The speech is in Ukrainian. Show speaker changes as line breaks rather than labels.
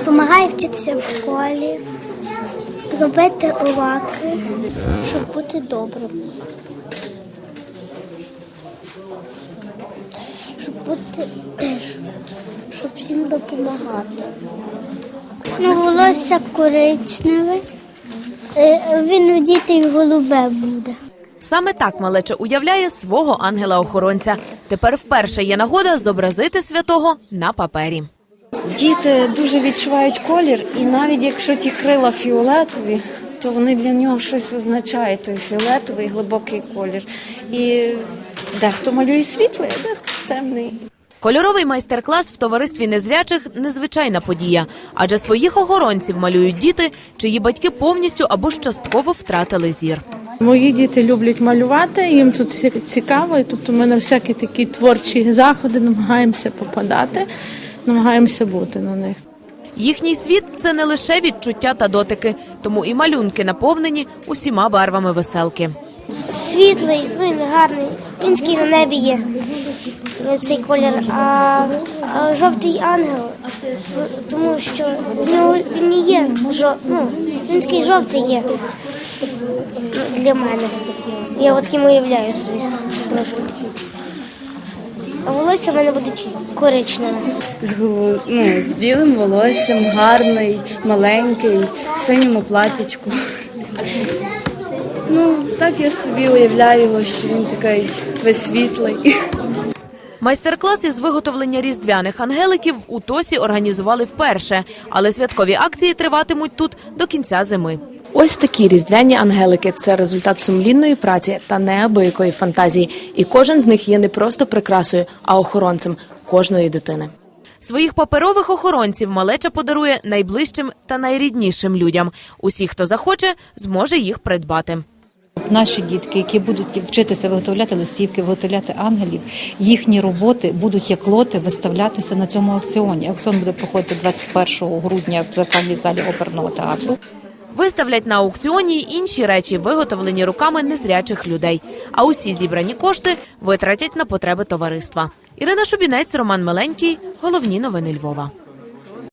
Допомагає вчитися в школі, робити уроки, щоб бути добрим. Щоб всім допомагати. Волосся коричневе, він у дітей голубе буде.
Саме так малеча уявляє свого ангела-охоронця. Тепер вперше є нагода зобразити святого на папері.
Діти дуже відчувають колір, і навіть якщо ті крила фіолетові, то вони для нього щось означають, той фіолетовий глибокий колір. І дехто малює світлий, а дехто темний.
Кольоровий майстер-клас в товаристві незрячих – незвичайна подія. Адже своїх охоронців малюють діти, чиї батьки повністю або ж частково втратили зір.
Мої діти люблять малювати, їм тут цікаво, і тобто ми на всякі такі творчі заходи намагаємося попадати, намагаємося бути на них.
Їхній світ – це не лише відчуття та дотики, тому і малюнки наповнені усіма барвами веселки.
Світлий, він гарний, він такий на небі є, цей колір, а жовтий ангел, тому що він не є, він такий жовтий є для мене. Я от таким уявляю собі просто. А волосся в мене буде коричневе.
З білим волоссям, гарний, маленький, в синьому платічку. Так я собі уявляю його, що він такий весь світлий.
Майстер-клас із виготовлення різдвяних ангеликів у Тосі організували вперше, але святкові акції триватимуть тут до кінця зими. Ось такі різдвяні ангелики – це результат сумлінної праці та неабиякої фантазії. І кожен з них є не просто прикрасою, а охоронцем кожної дитини. Своїх паперових охоронців малеча подарує найближчим та найріднішим людям. Усі, хто захоче, зможе їх придбати.
Наші дітки, які будуть вчитися виготовляти листівки, виготовляти ангелів, їхні роботи будуть як лоти виставлятися на цьому аукціоні. Аукціон буде проходити 21 грудня в зеркальній залі оперного театру.
Виставлять на аукціоні й інші речі, виготовлені руками незрячих людей. А усі зібрані кошти витратять на потреби товариства. Ірина Шубінець, Роман Миленький. Головні новини Львова.